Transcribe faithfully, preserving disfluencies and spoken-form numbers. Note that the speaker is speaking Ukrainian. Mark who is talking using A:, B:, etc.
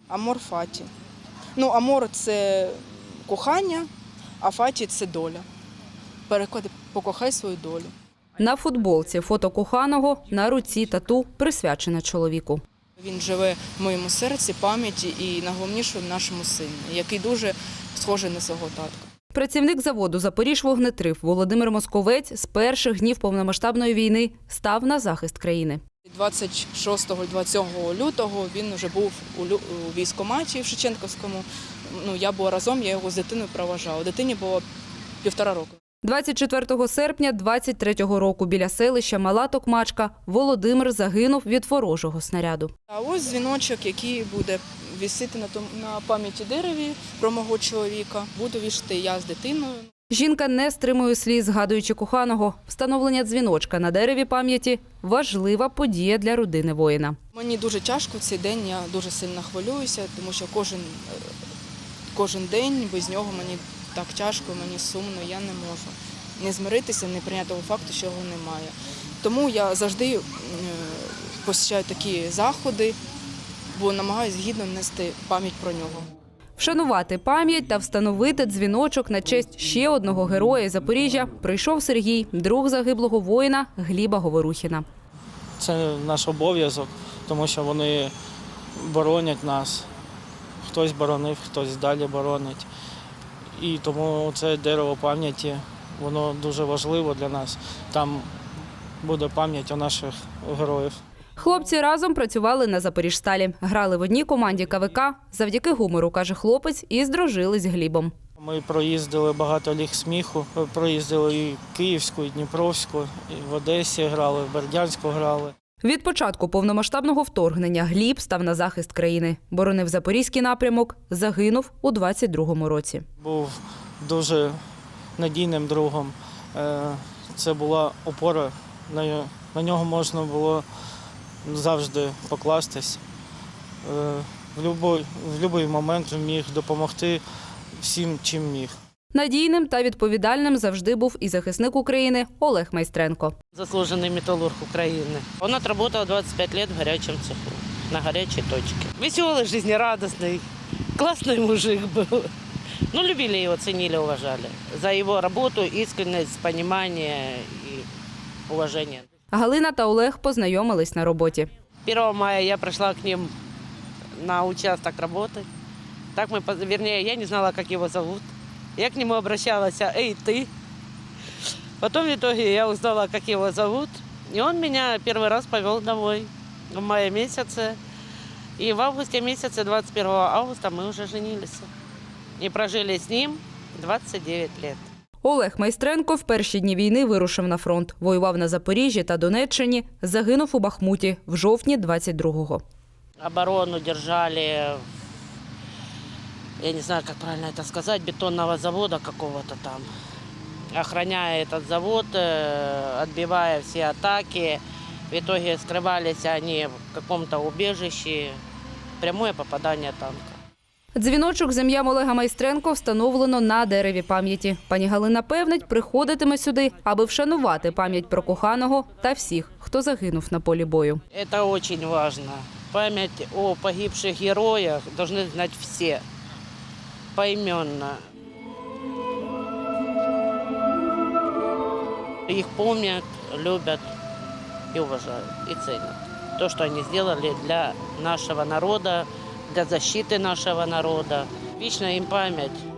A: Амор фаті. Ну, амор – це кохання, а фаті – це доля. Переклади «покохай свою долю».
B: На футболці фото коханого, на руці тату присвячене чоловіку.
A: Він живе в моєму серці, пам'яті і, найголовніше, в нашому сині, який дуже схожий на свого татка.
B: Працівник заводу «Запоріжжявогнетрив» Володимир Московець з перших днів повномасштабної війни став на захист країни.
A: двадцять шостого - двадцять сьомого лютого він вже був у військкоматі в Шевченківському. Ну, я була разом, я його з дитиною проважала. Дитині було півтора року.
B: двадцять четвертого серпня двадцять третього року біля селища Мала Токмачка Володимир загинув від ворожого снаряду.
A: А ось дзвіночок, який буде висіти на, тому, на пам'яті дереві про мого чоловіка. Буду вішати я з дитиною.
B: Жінка не стримує сліз, згадуючи коханого. Встановлення дзвіночка на дереві пам'яті – важлива подія для родини воїна.
A: Мені дуже тяжко в цей день, я дуже сильно хвилююся, тому що кожен, кожен день без нього мені так тяжко, мені сумно, я не можу не змиритися, не прийняти того факту, що його немає. Тому я завжди посещаю такі заходи, бо намагаюся гідно нести пам'ять про нього.
B: Вшанувати пам'ять та встановити дзвіночок на честь ще одного героя Запоріжжя прийшов Сергій, друг загиблого воїна Гліба Говорухіна.
C: Це наш обов'язок, тому що вони боронять нас. Хтось боронив, хтось далі боронить. І тому це дерево пам'яті, воно дуже важливо для нас. Там буде пам'ять у наших героїв.
B: Хлопці разом працювали на Запоріжсталі. Грали в одній команді ка ве ка. Завдяки гумору, каже хлопець, і здружились з Глібом.
C: Ми проїздили багато ліг сміху, проїздили і Київську, і Дніпровську, і в Одесі грали, в Бердянську грали.
B: Від початку повномасштабного вторгнення Гліб став на захист країни. Боронив Запорізький напрямок, загинув у двадцять другому році.
C: Був дуже надійним другом. Це була опора, на нього можна було завжди покластись. В будь-який момент міг допомогти всім, чим міг.
B: Надійним та відповідальним завжди був і захисник України Олег Майстренко.
D: Заслужений металург України. Він відпрацював двадцять п'ять років в гарячому цеху, на гарячій точці. Веселий, життєрадісний, класний мужик був. Ну, любили його, цінили, уважали. За його роботу, іскренність, розуміння і уваження.
B: Галина та Олег познайомились на роботі.
D: первого мая я пришла к ним на участок работать. Так мы, вернее, я не знала, как его зовут. Я к нему обращалась: «Эй, ты!» Потом в итоге я узнала, как его зовут. И он меня первый раз повел домой в мае месяце. И в августе месяце, двадцать первого августа, мы уже женились. И прожили с ним двадцять дев'ять лет.
B: Олег Майстренко в перші дні війни вирушив на фронт. Воював на Запоріжжі та Донеччині, загинув у Бахмуті в жовтні двадцять другого.
D: Оборону держали, я не знаю, как правильно это сказать, бетонного завода какого-то там. Охраняя этот завод, отбивая все атаки. В итоге скрывались они в каком-то убежище. Прямое попадание танка.
B: Дзвіночок з ім'ям Олега Майстренко встановлено на дереві пам'яті. Пані Галина певнить, приходитиме сюди, аби вшанувати пам'ять про коханого та всіх, хто загинув на полі бою.
D: Это очень важно. Память о погибших героях должны знать все, поименно. Их помнят, любят и уважают, и ценят. То, что они сделали для нашего народа, для защиты нашего народа. Вечная им память.